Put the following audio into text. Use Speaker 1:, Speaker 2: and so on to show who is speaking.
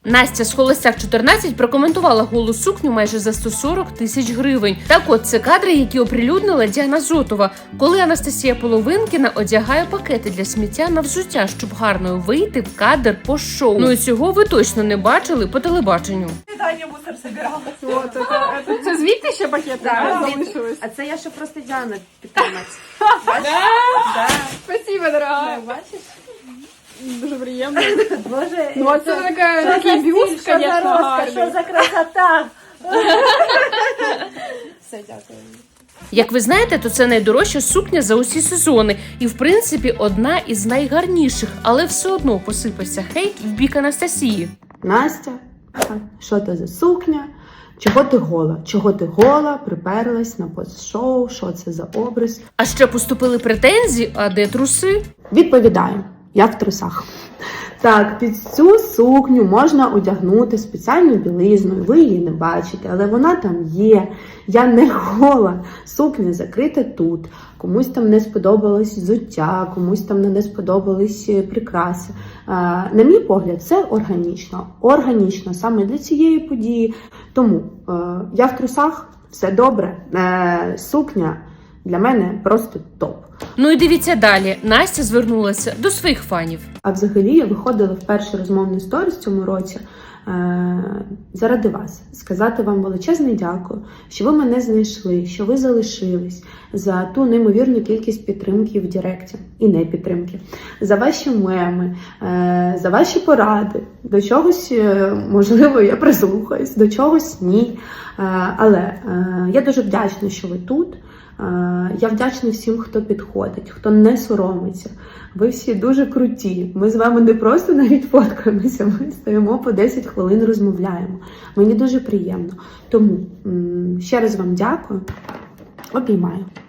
Speaker 1: Настя з Холостяк 14 прокоментувала голу сукню майже за 140 тисяч гривень. Так от, це кадри, які оприлюднила Діана Зотова, коли Анастасія Половинкіна одягає пакети для сміття на взуття, щоб гарно вийти в кадр по шоу. Ну і цього ви точно не бачили по телебаченню.
Speaker 2: Таня мусор собирала.
Speaker 3: Це звідти ще пакети залишились?
Speaker 2: А це я ще просто Діану підтримати.
Speaker 3: Спасибо, дорога.
Speaker 2: Бачиш?
Speaker 3: Дуже приємно.
Speaker 2: Боже,
Speaker 3: Ну, а це такий бюст,
Speaker 2: що за
Speaker 3: звісно,
Speaker 2: розкош,
Speaker 3: гарний.
Speaker 2: що за красота. Все, дякую.
Speaker 1: Як ви знаєте, то це найдорожча сукня за усі сезони. І, в принципі, одна із найгарніших. Але все одно посипався хейт в бік Анастасії.
Speaker 4: Настя, що це за сукня? Чого ти гола? Чого ти гола, приперлась на пост-шоу? Що це за образ?
Speaker 1: А ще поступили претензії, а де труси?
Speaker 4: Відповідаю, я в трусах. Так, під цю сукню можна одягнути спеціальну білизну, ви її не бачите, але вона там є. Я не гола. Сукня закрита тут. Комусь там не сподобалось взуття, комусь там не сподобались прикраси. На мій погляд, це органічно. Органічно саме для цієї події. Тому я в трусах, все добре. Сукня для мене просто топ.
Speaker 1: Ну і дивіться далі. Настя звернулася до своїх фанів.
Speaker 4: А взагалі я виходила в перший розмовний сторіс цьому році заради вас. Сказати вам величезне дякую, що ви мене знайшли, що ви залишились, за ту неймовірну кількість підтримки в Директі і не підтримки, за ваші меми, за ваші поради. До чогось, можливо, я прислухаюсь, до чогось ні. Але я дуже вдячна, що ви тут. Я вдячна всім, хто підходить, хто не соромиться. Ви всі дуже круті. Ми з вами не просто навіть фоткаємося, ми стоїмо по 10 хвилин, розмовляємо. Мені дуже приємно. Тому ще раз вам дякую. Обіймаю.